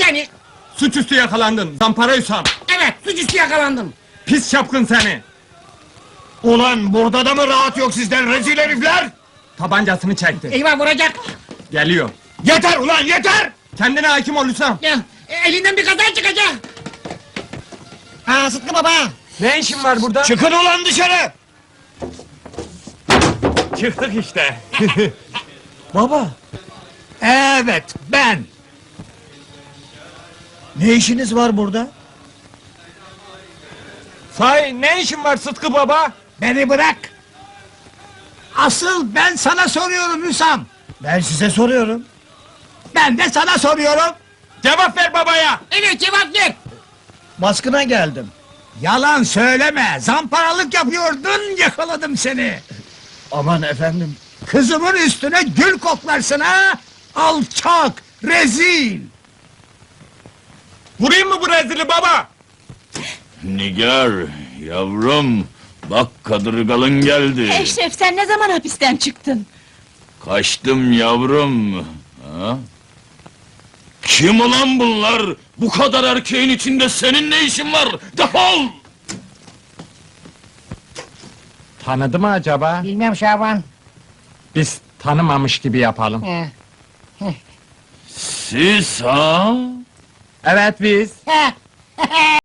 seni. Suçüstü yakalandın, zampara Hüsam! Evet, suçüstü yakalandım. Pis çapkın seni! Ulan burada da mı rahat yok sizden rezil herifler? Tabancasını çekti. Eyvah vuracak. Geliyor. Yeter ulan yeter! Kendine hakim ol Hüsam! Ya, elinden bir kaza çıkacak. Sıtkı baba. Ne işin var burada? Çıkın ulan dışarı! Çıktık işte! Baba! Evet ben! Ne işiniz var burada? Sahi ne işin var Sıtkı baba? Beni bırak! Asıl ben sana soruyorum Hüsam! Ben size soruyorum. Ben de sana soruyorum! Cevap ver babaya! Evet, cevap ver. Baskına geldim. Yalan söyleme! Zamparalık yapıyordun, yakaladım seni! Aman efendim! Kızımın üstüne gül koklarsın ha! Alçak! Rezil! Vurayım mı bu rezili baba? Nigar, yavrum, bak kadırgalın geldi. Eşref, sen ne zaman hapisten çıktın? Kaçtım yavrum. Ha? Kim ulan bunlar? Bu kadar erkeğin içinde senin ne işin var? Defol! Tanıdı mı acaba? Bilmem Şaban. Biz tanımamış gibi yapalım. He. Siz ha? Evet biz. He.